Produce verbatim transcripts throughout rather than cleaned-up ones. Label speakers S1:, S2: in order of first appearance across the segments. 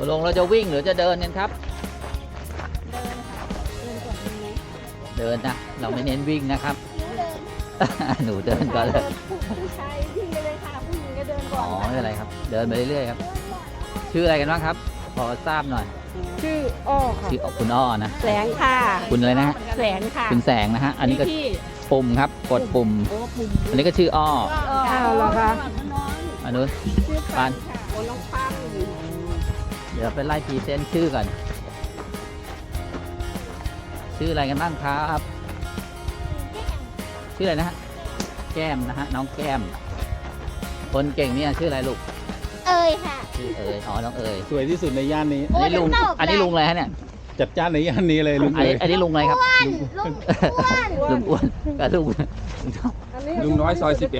S1: ลงเราจะวิ่งหรือจะเดินกันครับ
S2: เดินค่ะเดินก่อนดีไหม
S1: เดินนะเราไม่เน้นวิ่งนะครับ
S2: หนูเดิน
S1: หนูเดินก่อนเลย
S2: ผู้ชายวิ่งไปเลยค่ะผู้หญิงก็เดินก่
S1: อ๋
S2: อน
S1: อไม่เป็นไรครับ เดินไปเรื่อยๆครับ ชื่ออะไรกันบ้างครับ พอทราบหน่อย
S2: ชื่ออ้อค่ะ
S1: ชื่อคุณอ้อนะ
S2: แสงค่ะ
S1: คุณอะไรนะฮะ
S2: แสงค่ะ
S1: คุณแสงนะฮะ อันนี้ก็
S2: พี่
S1: ปุ่มครับ กดปุ่ม
S2: โอ้ปุ่ม
S1: อันนี้ก็ชื่ออ้อ
S2: อ้าวเหรอคะ
S1: อันนู้น
S2: ชื่อ
S1: ปั
S2: ปั
S1: น
S2: นค่ะโอ้น้องปัน
S1: เดี๋ยวไปไล่พรีเซนต์ชื่อก่อน ชื่ออะไรกันบ้างครับ ชื่ออะไรนะฮะ แก้มนะฮะ น้องแก้ม คนเก่งเนี่ยชื่ออะไรลูก
S3: เอ่ยค่ะ
S1: ชื่อเอ๋ยอ๋อ น้องเอ๋ย
S4: สวยที่สุดในย่านนี้
S1: อันนี้ลุง
S3: โอ้ยตอบเลย
S1: อันนี้ลุงอะไรฮะเนี่ย
S4: จัดจ้านในย่านนี้เลยลุง
S1: อัน
S4: เล
S1: นี้
S4: ย
S1: อันนี้ลุงอะไรครับ
S3: ลุงอ้วน
S1: ลุงอ้วนกับลุง
S4: ลุงน้อยซอยสิบเอ็ด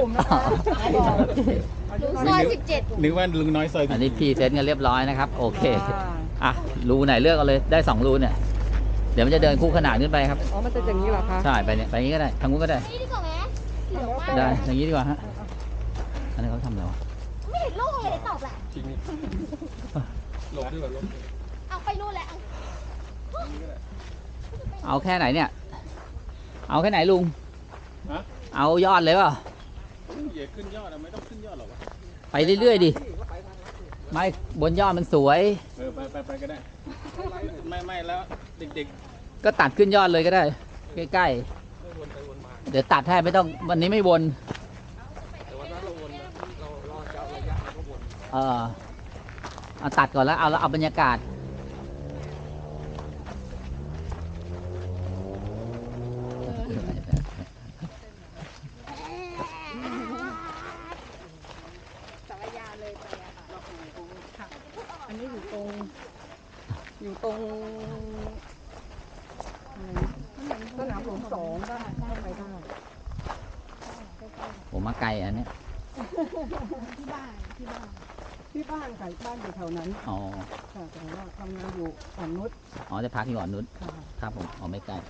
S3: ลุงซอยสิบเจ็ด
S4: นึกว่าลุงน้อยซอย
S1: อันนี้พรีเซนต์กันเรียบร้อยนะครับ โอเค อ่ะ รูไหนเลือกเอาเลย ได้สองรูเนี่ย เดี๋ยวมันจะเดินคู่ขนานขึ้นไปครับ
S2: อ๋อมันจะอย่างนี้เหรอคะ
S1: ใช่ ไปเนี่ย ไปอย่างนี้ก็ได้ ทางนู้นก็ได้
S3: นี่ดีกว่าไหมเหลืองมาก
S1: ได้ อย่างนี้ดีกว่าฮะ อันนี้เขาทำอะไรวะ
S3: ไม่เห็นลูกเลยตอบแหละ
S4: จริงหลบด้วยหลบ
S3: เอาไปนู่นแล้ว
S1: เอาแค่ไหนเนี่ย เอาแค่ไหนลุง
S4: ฮะ
S1: เอายอดเลยเปล่า
S4: อย่าขึ้นยอดอะไม่ต้องขึ้นยอดหรอกวะ
S1: ไปเรื่อยๆดิ ไม่บนยอดมันสวย
S4: เออไปไปไปก็ได้ ไม่ไม่แล้วเด็ก
S1: ก็ตัดขึ้นยอดเลยก็ได้ ใกล้ๆ เดี๋ยวตัดให้ไม่ต้องวันนี้ไม่วนเออเอาตัดก่อนแล้วเอาแล้วเอาบรรยากาศ
S2: สารยาเลยไปอะค่ะอันนี้อยู่ตรง อยู่ตรงสนามหลวงสองได้เข้าไปได้
S1: ผมมาไกลอันเนี้ย
S2: ที่บ้านที่บ้านที่บ้านค่ะบ้านอยู่แถวนั้น
S1: อ๋อ
S2: ค่ะแต่ว่าทำงานอยู่อ่อนนุช
S1: อ๋อจะพักที่ก่อนนุช
S2: ค่ะ
S1: ครับผมอ๋อไม่ไกล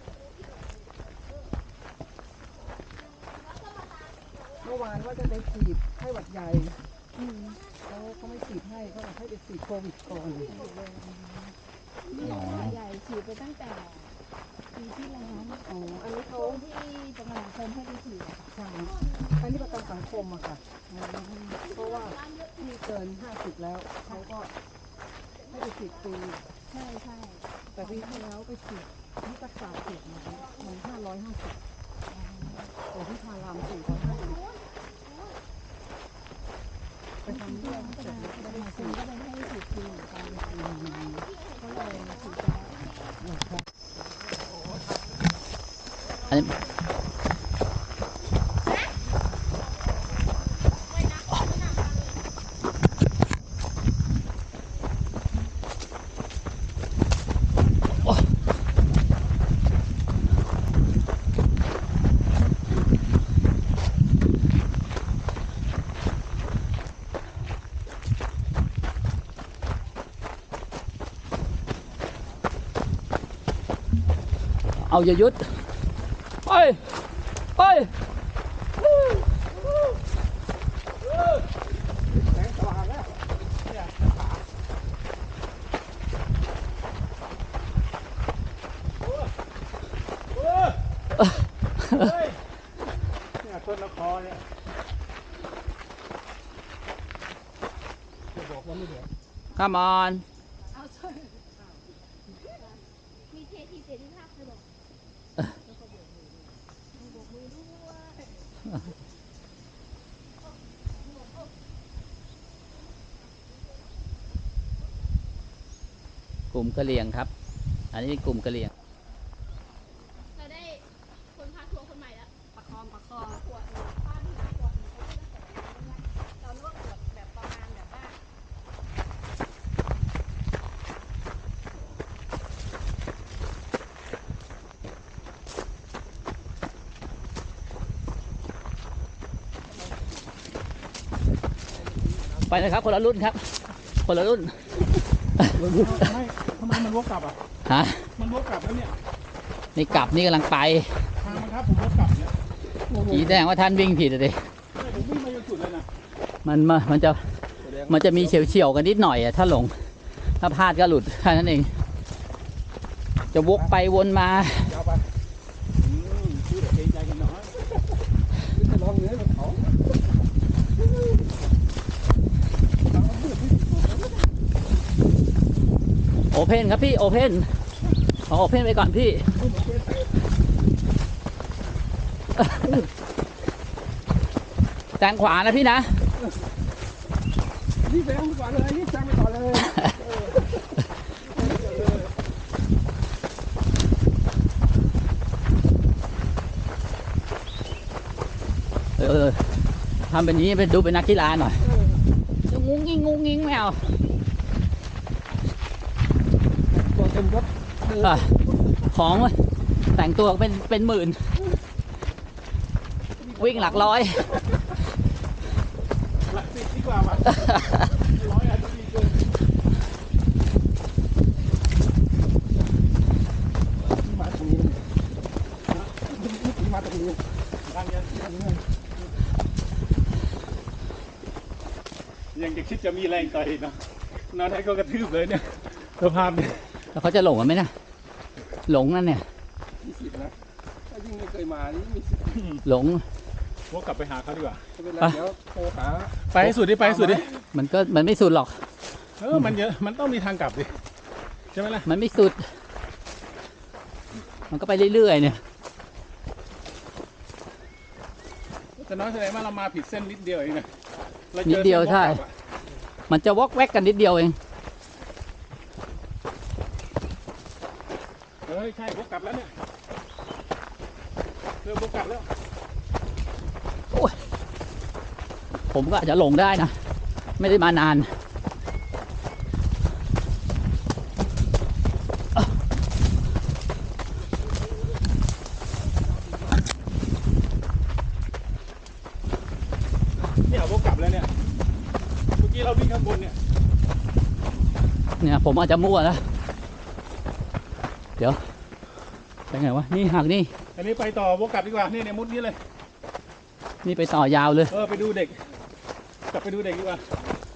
S2: เมื่อวานว่าจะไปฉีดไข้หวัดใหญ่เขาเขาไม่ฉีดให้เขาบอกให้ไปฉีดโควิดก่อน
S1: อ๋อ
S5: ใหญ่ฉีดไปตั้งแต่ปีที่แล้ว
S2: อ๋ออันนี้เขา
S5: ที่ประกันสังคมให้ไปฉีดอะค่ะ
S2: ใช่อันนี้ประกันสังคมอะค่ะอืมเพราะว่าที่เกินห้าสิบแล้วเขาก็ให้ไปฉีดฟรี
S5: ใช่ใช่
S2: แต่ปีที่แล้วไปฉีดที่รักษาเขตมามันห้าร้อยห้าสิบแต่ที่พารามสี่ร้อยห้าสิบไปทำเรื่องเสร็จแล้วก็ได้
S5: มา
S2: มา
S5: ซื้
S2: ฉี
S5: อ
S2: ด
S5: ก็เลยให้ฉีดฟรีเหมือนกัน
S2: อืม
S5: ก็เลยฉีดไปแล้ว
S2: นะครับ
S1: อันนี้เอาอย่าหยุดไปไปเอ้อ
S4: เนี่ยต้นละคอเนี่ย
S1: Come on
S3: มีเททีเสรีภาพเลยบอก
S1: กลุ่มกะเหรี่ยงครับ อันนี้กลุ่มกะเหรี่ยง
S3: เราได้คนพาทัวร์คนใหม่แล้ว
S2: ประคองประคอง
S3: ขวดป้าที่ขวดเขาเลือกแต่เราเลือกขวดแบบประมาณแบบว่า
S1: ไปเลยครับคนละรุ่นครับ คนละรุ่น
S4: ไม่ทำไมมันวกกลับอ่ะ
S1: ฮะ
S4: มันวกกลับแล้วเนี่ย
S1: นี่กลับนี่กำลังไป
S4: ทางมันครับผมวกกลับเนี่ย
S1: ผีแดงว่าท่านวิ่งผิดอะดิ
S4: ไม่ผมวิ่งมาจนสุดเลยนะ
S1: มันมามันจะ มันจะมีเฉียวเฉียวๆกันนิดหน่อยอะถ้าหลงถ้าพลาดก็หลุดแค่นั้นเอง จะวกไปวนมา
S4: ยาวไปอืมชื่อเด็กเกรงใจกันหน่อย
S2: นี่จะลองเนื้อกับเขา
S1: โอเพนครับพี่ โอเพนขอโอเพนไปก่อนพี่ แซงขวานะพี่นะ
S2: นี่แซงไปก่อนเลยนี่แซงไปก่อนเลย
S1: เออทำแบบนี้ไปดูเป็นนักกีฬาหน่อยงุ้งงิ้งงุ้งงิ้งไม่เอา
S2: ตัวเต็มรถ
S1: อ่ะของแต่งตัวเป็นเป็นหมื่น วิ่งหลักร้อย
S4: หลักสิบดีกว่าว่ะร้อยอาจจะดีเกิน
S2: มาตรงนี้เลยมาตรงนี้
S4: ดังยังยังจะคิดจะมีแรงต่อยอีกเนาะนอนให้ก็กระทืบเลยเนี่ยสภาพเนี่ย
S1: แล้วเขาจะหลงกันไหมนะหลงนั่นเนี่ย
S2: มีสิทธิ์นะถ้ายิ่งไม่เคยมานี่มีสิทธิ์
S1: หลง
S4: วกกลับไปหาเขาดีกว่า
S2: ไม่เป็นไรเดี๋ยวโทรหา
S4: ไปให้สุดดิไปให้สุดดิ
S1: มันก็มันไม่สุดหรอก
S4: เออมันเยอะมันต้องมีทางกลับดิใช่ไหมล่ะ
S1: มันไม่สุด มันก็ไปเรื่อยๆเนี่ย
S4: แต่น้อยแสดงว่าเรามาผิดเส้นนิดเดียวเองนะราจอ
S1: นิดเดียวใช่
S4: ส้นวกกลับอะ
S1: มันจะวอกแวกกันนิดเดียวเอง
S4: เฮ้ยใช่วกกลับแล้วเนี่ยเริ่มวกกลับแล้ว
S1: ผมก็อาจจะหลงได้นะ ไม่ได้มานาน
S4: เนี่ยวกกลับแล้วเนี่ยเมื่อกี้เราวิ่งข้างบนเนี่ย
S1: เนี่ยผมอาจจะมั่วนะ เดี๋ยวไปไงวะ นี่หักนี่
S4: อันนี้ไปต่อวกกลับดีกว่านี่เนี่ยมุดนี้เลย
S1: นี่ไปต่อยาวเลย
S4: เออไปดูเด็ก กลับไปดูเด็กดีกว่า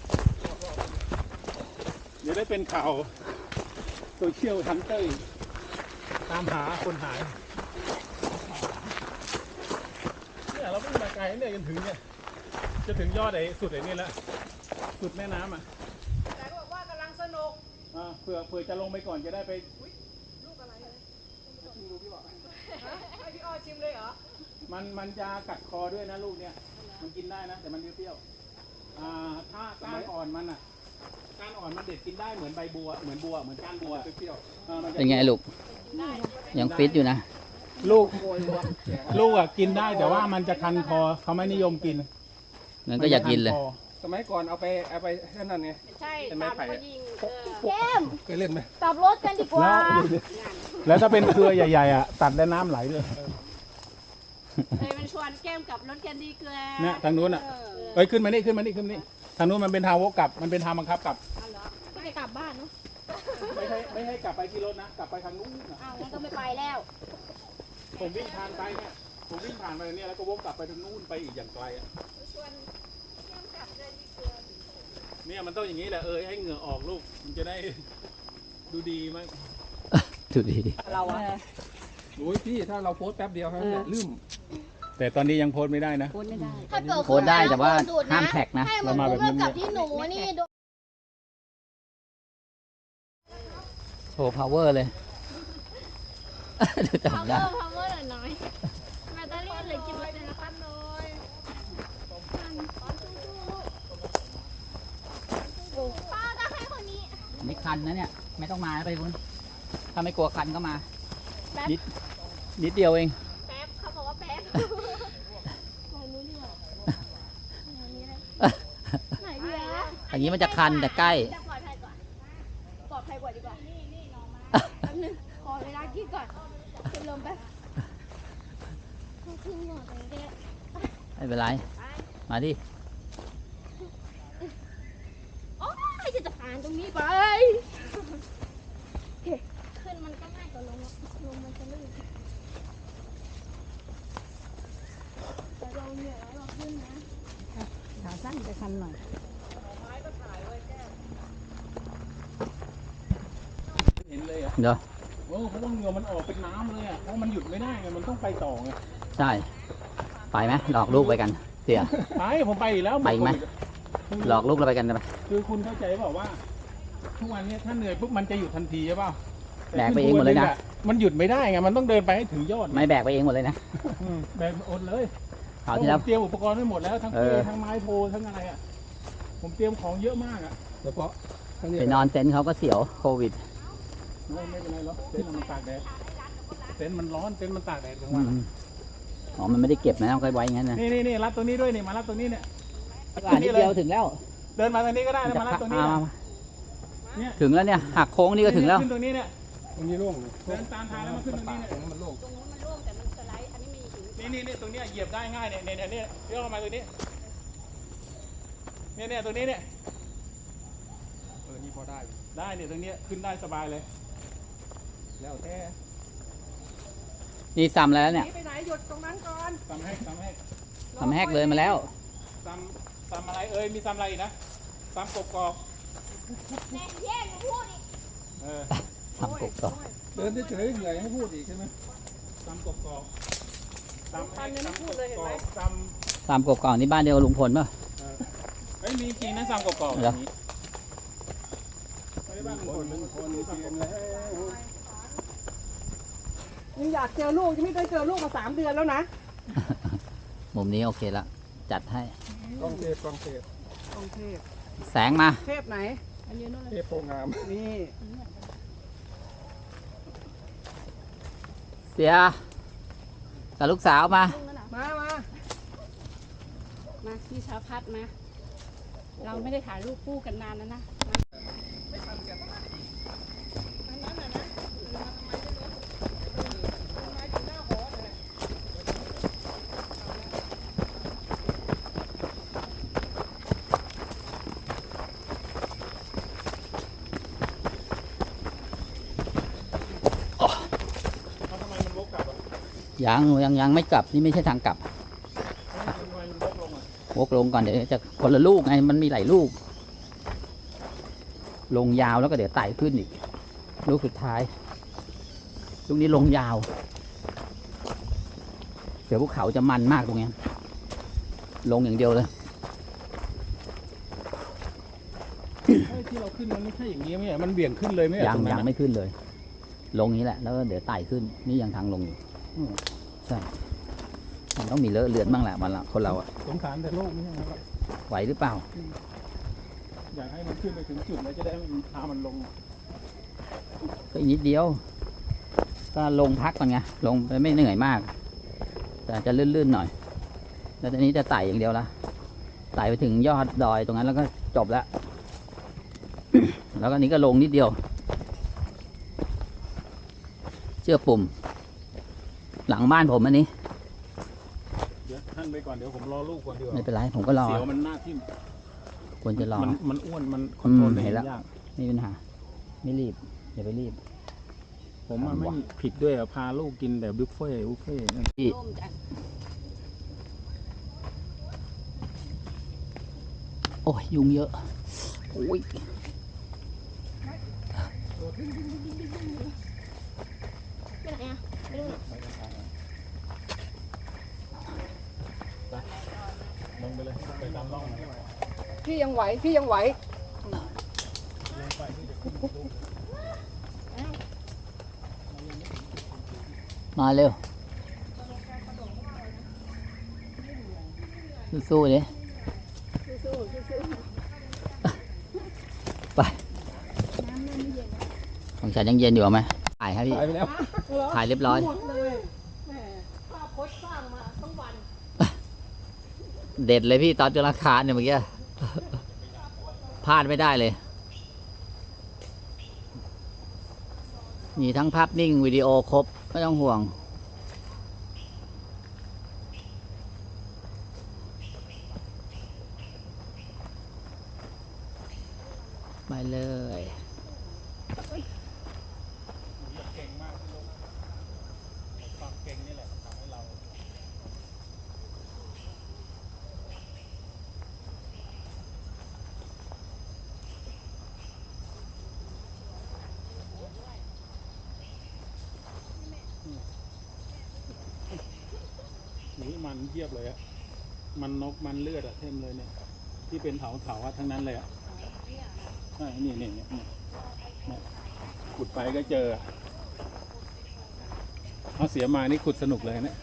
S4: เดี๋ยวได้เป็นข่าวโซเชียลฮันเตอร์ตามหาคนหายเนี่ยเราวิ่งมาไกลเนี่ยจนถึงเนี่ยจะถึงยอดไอ้สุดไอ้นี่แล้วสุดแม่น้ำอ่ะ
S3: แต่บอกว่ากำลังสนุก
S4: อ่าเผื่อเผื่อจะลงไปก่อนจะได้ไป
S3: ลูกอะไรเลยให้พี่อ้อชิมเลยเหรอ
S4: มันมันจะกัดคอด้วยนะลูกเนี่ยมันกินได้นะแต่มันเปรี้ยวๆอ่าถ้าก้านอ่อนมันอ่ะก้านอ่อนมันเด็ดกินได้เหมือนใบบัวเหมือนบัวเหมือนก้านบัวเปรี้ยวๆอ่ามันจะ
S1: เป็นไงลูก ยังฟิตอยู่นะ
S4: ลูกลูกอ่ะกินได้แต่ว่ามันจะคันคอเขาไม่นิยมกิน
S1: งั้นก็อยากกินเลย
S4: มัจะคัคอ
S2: สมัยก่อนเอาไปเอาไปแค่นั้นไง
S3: ใช่
S2: เป็นไม้
S3: ตาม
S2: ไผ่
S3: เขา
S2: อะ
S3: ยิงเออ
S5: เข้ม
S2: เคยเล่นไหม
S5: กลับรถกันดีกว่า
S4: แล้วถ้าเป็นเครือใหญ่ๆอ่ะตัดได้น้ำไหลเลย
S3: เลยมันชวนแก้มกับรถแคนดี้เกลือ
S4: เนี่ยทางนู้นอ่ะ
S3: เออ
S4: เอ้ยขึ้นมานี่ขึ้นมานี่ขึ้นมานี่ทางนู้นมันเป็นทางวกกลับมันเป็นทางบังคับกลับ
S3: เอาเหรอ
S5: ไม่ได้กลับบ้านเนาะ
S4: ไม่ให้ไม่ให้กลับไปที่รถนะกลับไปทางนู้นน่ะ
S5: อ้าวงั้นก็ไม่ไปแล้ว
S4: ผมวิ่งผ่านไปเนี่ยผมวิ่งผ่านไปเนี่ยแล้วก็วกกลับไปทางนู้นไปอีกอย่างไกลอ่ะ
S3: ชวนแก้มกับเลยดีเกลือ
S4: เนี่ยมันต้องอย่างนี้แหละเออให้เหงื่อออกลูกมันจะได้ดูดีมั้ง
S1: ดูดี
S3: เราอะ
S2: โอ้ยพี่ถ้าเราโพสต์แป๊บเดียวครับเนี่ยลืม
S4: แต่ตอนนี้ยังโพสต์ไม่ได้นะ
S3: พูดไม่ได้
S5: ถ้าเกิด
S1: โพสต์ได้แต่ว่าห้ามแท็กนะ
S5: ให้เหมื
S4: เรา
S5: อน
S4: มา
S5: ผ
S4: แบ
S5: ม
S4: บเงียบๆ
S5: กับที่หนูนี่โดน
S1: โชว์ power เลย ดู
S5: พาว
S1: จำ
S5: เว
S1: ได้
S5: อร์พาวเวอร์หน่อยหน่อยแบตเตอรี่เหลือกี่เปอร์เซ็นต์แล้วครับ
S3: หน่อย
S5: ป้าก็ให้คนนี้
S1: ไม่คันนะเนี่ย ไม่ต้องมาไปคุณถ้าไม่กลัวคันก็มา
S5: แป๊บ
S1: นิด นิดเดียวเอง
S5: แป๊บเขาบอกว่าแป๊บลองนู้นดีกว่าอันนี้เลยไหนดีอะ
S1: อย่างนี้มันจะคันแต่ใกล้
S5: จะปลอดภัยกว่าปลอดภัยกว่าดีกว่านี่นี่น้องมาแป๊บนึงขอเวลาคิดก่อนเป็นลมแป๊บเขาขึ้นหมดเลยเนี่ย
S1: ไม่เป็นไร มาดิ
S5: โอ้ยจะผ่านตรงนี้ไปโอเคขึ้นมันก็ง่ายกว่าลงอะลงมันจะลื่นแต่เราเหนื่อยแล้วเราขึ้นนะ
S3: ขาสั้นจะคันหน่อย
S5: เ
S1: เดี๋ยว
S4: โอ้เพราะว่าเหงื่อมันออกเป็นน้ำเลยอ่ะเพราะมันหยุดไม่ได้ไงมันต้องไปต่อไง
S1: ใช่ ไปไหมหลอกลูกไปกัน เสีย
S4: ไปผมไปอีกแล้ว
S1: ไปไหม หลอกลูกเราไปกันได้ไหม
S4: คือคุณเข้าใจเปล่าว่าทุกวันเนี้ยถ้าเหนื่อยปุ๊บมันจะหยุดทันทีใช่เปล่า
S1: แบกไปเองหมดเลยนะ
S4: มันหยุดไม่ได้ไงมันต้องเดินไปให้ถึงยอด
S1: ไม่แบกไปเองหมดเลยนะ
S4: อืมแบกอดเลย
S1: คราวที่แล้ว
S4: ผมเตรียมอุปกรณ์ไว้หมดแล้วทั้ง
S1: เอ
S4: เป
S1: อ
S4: ทั้งไม้โพทั้งอะไรอ่ะผมเตรียมของเยอะมากอ่ะเฉพาะทั้งนี้
S1: ไปนอนเต็นท์เขาก็เสียวโควิด
S4: ไม่ไม่เป็นไรหรอกเต็นท์มันตากแดดเต็นท์มันร้อนเต็นท์มันตากแดดกลาง
S1: อื
S4: วัน
S1: มอ๋อ มันไม่ได้เก็บนะต้องไว้อย่างนั้นนะ
S4: นี่นี่นี่รัดตัวนี้ด้วยนี่มารัดตัวนี้เนี่ย
S1: อ่านิดเดียวถึงแล้ว
S4: เดินมาทางนี้ก็ได้นะมารัดตัวนี้
S1: อ่า
S4: นะ
S1: มา
S4: เนี่ย
S1: ถึงแล้วเนี่ย หักโค้งนี่ก็ถึงแล้ว
S4: ขึ้นตรงนี้เนี่ย
S2: ตรงนี้โล่ง
S4: เดินตามทางแล้วมาขึ้นตรงนี้เนี่ย
S2: ตรงนั้นมันโล่ง
S3: ตรงนู้นมันโล่งแต่มันสไลด์อันนี้มีหิน
S4: นี่นี่นี่ตรงเนี้ยเหยียบได้ง่ายเนี่ยเนี่ยเนี่ยเนี่ยเลี้ยวเข้ามาตรงนี้เนี่ยเนี่ยตรงนี้เนี่ย
S2: เออนี่พอได้อยู่
S4: ได้เนี่ยตรงเนี้ยขึ้นได้สบายเลย
S2: แล้วแต่
S1: นี่ซ้ำแล้วเนี่ย
S2: ไปไหนหยุดตรงนั้นก่อน
S4: ซ้ำแหกซ้ำแหก
S1: ทำแหกเลยมาแล้ว
S4: ซ้ำซ้ำอะไรเอ้ยมีซ้ำอะไรอีกนะซ้ำกบกอก
S5: แม่แย่งหนูพูดอีก
S4: เออ
S1: ทำกบต่อ
S2: เดินเฉยๆเหนื่อยให้พูดอีกใช่ไหม
S4: ซ้ำกบกอกซ้ำแหกซ้ำกบกอกซ้
S1: ตามกบก่อนนี่บ้านเดียวกับลุงพลป่ะ
S4: ำเออเฮ้ยมีจริงนะซ้ำกบกอก
S1: เหรอ
S4: อย่างนี้ไม่ได้บ้านลุงพลลุงพลมีซ้ำกบกอก
S2: ยังอยากเจอลูกยังไม่ได้เจอลูกมาสามเดือนแล้วนะ
S1: มุมนี้โอเคละ จัดให้
S2: กองเทพกองเทพกองเทพ
S1: แสงมา
S2: เทพไหน
S3: อันนี้นู่น
S2: เทพโพงามนี่
S1: เสียกับลูกสาวมา
S3: ลุงนั่นน่ะ
S2: มามา
S3: มาพี่ชาวพัดมา เราไม่ได้ถ่ายรูปคู่กันนานแล้วนะ
S4: เอาทำไมมันวกกลับอ่ะ
S1: ยังยังยังไม่กลับ นี่ไม่ใช่ทางกลับ
S4: ทำไมมันวกลงอ่ะ
S1: วกลงก่อนเดี๋ยวจะคนละลูกไง มันมีหลายลูก ลงยาวแล้วก็เดี๋ยวไต่ขึ้นอีก ลูกสุดท้าย ลูกนี้ลงยาว เดี๋ยวภูเขาจะมันมากตรงเนี้ยลงอย่างเดียวเลย
S4: เฮ้ยที่เราขึ้นมันไม่ใช่อย่างนี้ไหมมันเบี่ยงขึ้นเลยไหม
S1: ยัง
S4: ตรนั้น
S1: ยัง
S4: อะ
S1: ไม่ขึ้นเลย ลงนี้แหละ แล้วก็เดี๋ยวไต่ขึ้น นี่ยังทางลงอยู่
S4: อืม
S1: ใช่ มันต้องมีเลอะเลือนบ้างแหละมันละคนเราอะ
S4: สงสารแต่โลกไม่ใช่ไหมครับ
S1: ไหวหรือเปล่า
S4: อยากให้มันขึ้นไปถึงจุดแล้วจะได้มันพามันลง
S1: ก็อีกนิดเดียว ก็ลงพักก่อนไง ลงไปไม่เหนื่อยมาก แต่จะลื่นๆหน่อย แล้วตอนนี้จะไต่อย่างเดียวละ ไต่ไปถึงยอดดอยตรงนั้นแล้วก็จบแล้ว แล้วก็นี้ก็ลงนิดเดียว เชื่อปุ่ม หลังบ้านผมอันนี้
S4: เดี๋ยวท่านไปก่อนเดี๋ยวผมรอลูกก่อนดีกว่า
S1: ไม่เป็นไรผมก็รอ
S4: เสียวมันหน้าทิ่ม
S1: ควรจะรอ
S4: มันมันอ้วนมันคอนโทรล
S1: อืม
S4: ตัวเอ
S1: เห็น
S4: ง
S1: แล้ว
S4: ยาก
S1: ไม่มีปัญหา ไม่รีบ อย่าไปรีบ
S4: ผมอะไม่ผิดด้วยอะพาลูกกินแบบบุฟเฟ่ต์บุฟเฟ่ต์
S1: พี่
S3: ร่มจัด
S1: โอ้ยยุงเยอะโอ้ย
S5: ไปไหนอ่ะไปดูหน่อย
S4: ลงไปเลยไปตามร่องมัน
S2: พี่ยังไหวพี่ยังไหว
S1: มาเร็ว สู้ๆดิ
S3: สู้ๆสู้
S1: ไป
S3: ๆน้ำเริ่มไม่เย็นแล้ว
S1: ของฉันยังเย็นอยู่ไหมถ่ายครับพี่
S2: หายไปแล้ว
S1: ถ่ายเรียบร้อย
S2: หมดเลยแหม
S3: ภาพโพสต์สร้างมาต้องวัน
S1: เด็ดเลยพี่ตอนจุลคารเนี่ยเมื่อกี้ พลาดไม่ได้เลย มีทั้งภาพนิ่งวิดีโอครบ ไม่ต้องห่วง ไปเลย
S4: มันเยียบเลยอะมันนกมันเลือดอะเต็มเลยเนี่ย ที่เป็นเถาเถาอะทั้งนั้นเลยอะใช่นี่นี่เนี่ยเนี่ยเนี่ยขุดไปก็เจออะเอาเสียมานี่ขุดสนุกเลยเนี่ย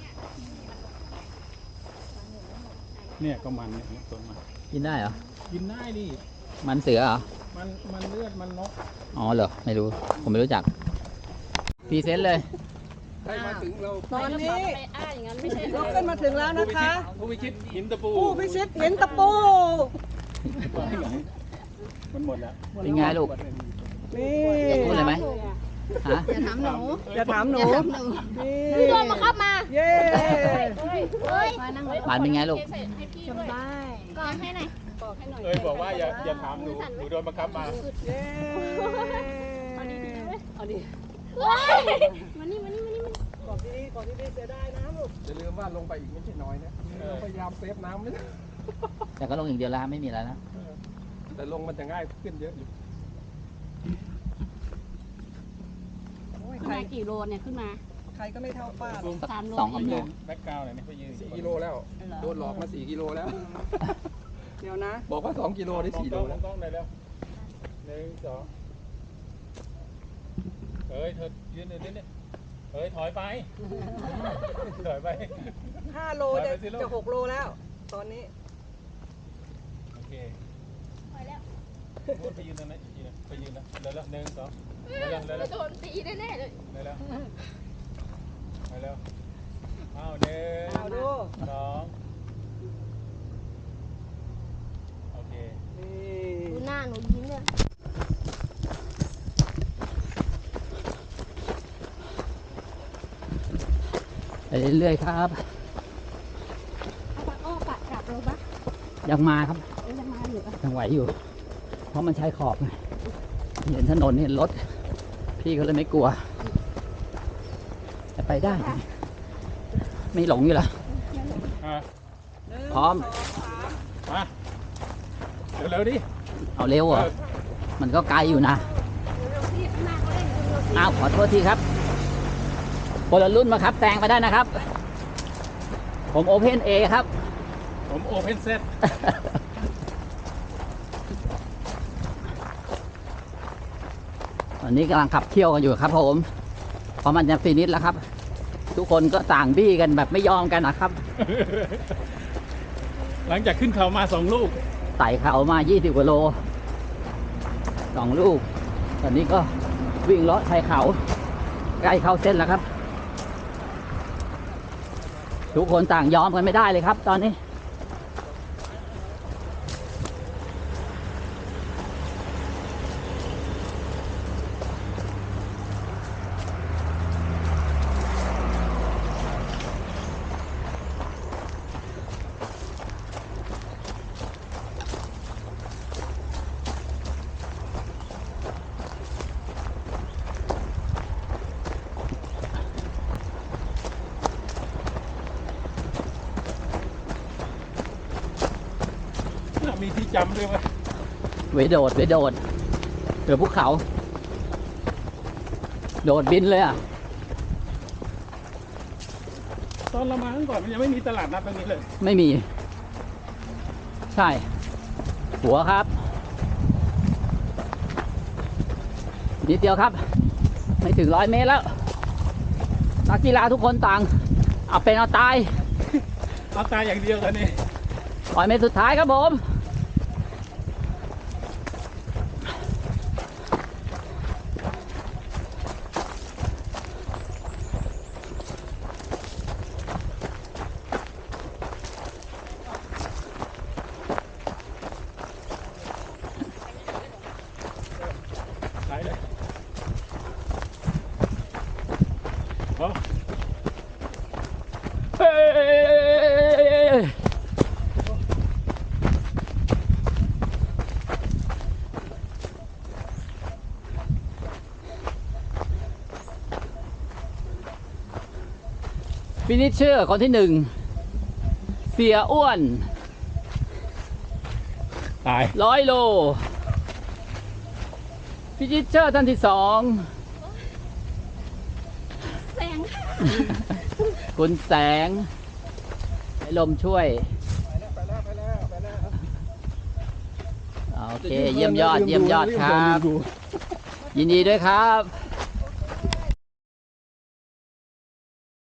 S4: เนี่ยก็มันเนี่ยต้นมัน
S1: กินได้เหรอ
S4: กินได้ดิ
S1: มันเสือเหรอ
S4: มันมันเลือดมันนก
S1: อ๋อเหรอ ไม่รู้ ผมไม่รู้จักพรีเซนต์เลย
S2: ตอนนี้
S3: ไปอ้าอย่างนั้นไม่ใช่
S2: เราขึ้นมาถึงแล้วนะคะ
S4: ผู้พิชิตหินตะปู
S2: ผู้พิชิตเห็นตะปู
S4: มันหมดแล้ว
S1: เป็นไงลูก
S2: นี่
S1: พูดเลยไหมฮะ
S3: อย่าถามหนู
S2: จะถามหนู นี่
S5: พี่โดนมาครับมา
S2: เย้
S5: เฮ้ย
S3: มานั่ง
S1: หวานเป็นไงลูก
S3: สบาย
S5: กอดให้หน่อย
S3: บอกให้หน่อย
S4: เอ้ยบอกว่าอย่าอย่าถามหนูหนูโดนบังคับมา
S2: เย้
S3: เอาดิ
S5: เฮ้ยมานี่มานี่มานี่มานี่
S2: กอดดีๆกอดดีๆเสียดายน้ำลูก
S6: อย่าลืมว่าลงไปอีกไม่ใช่น้อยนะเราพยายามเซฟน้ำไม่ได้
S1: แต่ก็ลงอย่างเดียวแล้วไม่มีอะไรแล้ว
S6: แต่ลงมันจะง่ายขึ้นเยอะอยู่
S2: โอ้ย
S3: ขึ้น
S2: ใคร
S3: มากี่โลเนี่ยขึ้นมา
S2: ใครก็ไม่เท่าป้าหรอก
S3: สามโล
S1: สองสามโล
S4: แบ็กกราวด์หน่อยนี่ไปยืน
S6: สี่กิโลแล้ว โดนหลอกมาสี่กิโลแล้ว
S2: เดี๋ยวนะ
S6: บอกว่าสองกิโลได้สี่โล
S4: ม
S6: แล้
S4: อ
S6: ว
S4: งกล้องเลยแล้วหนึ่งสองเฮ้ยเธอยืนหนึ่งนิดนึงเฮ้ยถอยไปถอยไป
S2: ห้าโลจะ
S4: ไปสิลูก
S2: จะหกโลแล้ว ตอนนี้
S4: โอเค
S5: ไปแล้ว
S4: พูดไปยืนตรงนั้นอีกทีนึงไปยืนนะเร็วแล้วหนึ่งสองเร็วแล้วเร็วแล้ว
S5: โดนตีแน่ๆเลย
S4: เร็วแล้วไปเร็วอ้าวหนึ่ง
S2: เอาดู
S4: สองโอเค
S2: นี่
S5: ดูหน้าหนูยิ้มเลย
S1: ไปเรื่อยๆครับ
S3: เอาปากอ้อปากกลับเราปะ
S1: ยังมาครับ
S3: เอ้ยยังมาอยู่ปะ
S1: ยังไหวอยู่ เพราะมันใช้ขอบไงเห็นถนนเห็นรถ พี่เขาเลยไม่กลัวแต่ไปได้ ไม่หลงอยู่ละ
S4: อ่ะ
S2: หนึ่ง
S1: พร้อม
S2: สองสาม
S4: มาเร็วๆดิ
S1: เอาเร็วเหรอ มันก็ไกลอยู่นะ
S3: เร็วๆที่ข้างหน้าเขาเล่นเร็วๆที่
S1: อ้าวขอโทษทีครับคนละรุ่นมาครับ แตงไปได้นะครับ ผมโอเพนเอครับ
S4: ผมโอเพนเซต
S1: ตอนนี้กำลังขับเที่ยวกันอยู่ครับผมเพราะมันจะฟินิชแล้วครับ ทุกคนก็ต่างบี้กันแบบไม่ยอมกันนะครับ
S4: หลังจากขึ้นเขามาสองลูก
S1: ไต่เขามายี่สิบกว่าโลสองลูก ตอนนี้ก็วิ่งเลาะชายเขา ใกล้เข้าเส้นแล้วครับ ทุกคนต่างยอมกันไม่ได้เลยครับ ตอนนี้
S4: มีที่จำด้วยไหม
S1: ไว้โดดไว้โดดเดี๋ยวภูเขา โดดบินเลยอ่ะ
S4: ตอนเรามาเมื่อก่อนมันยังไม่มีตลาดนัดตรงนี้เลย
S1: ไม่มี ใช่ หัวครับ นิดเดียวครับ ไม่ถึงร้อยเมตรแล้ว นักกีฬาทุกคนต่าง เอาเป็นเอาตาย
S4: เอาตายอย่างเดียวตอนนี้
S1: ร้อยเมตรสุดท้ายครับผม
S4: ไปเลยเอา
S1: เฮ้ยฟินิชเชอร์คนที่หนึ่ง เสียอ้วน
S4: ตาย
S1: ร้อยโล ฟินิชเชอร์ท่านที่สอง
S5: แสงค่ะ
S1: คุณแสงให้ลมช่วย
S6: ไปแล้วไปแล้วไปแล้วไปแล้ว
S1: โอเค เยี่ยมยอด เยี่ยมยอดครับ ยินดีด้วยครับ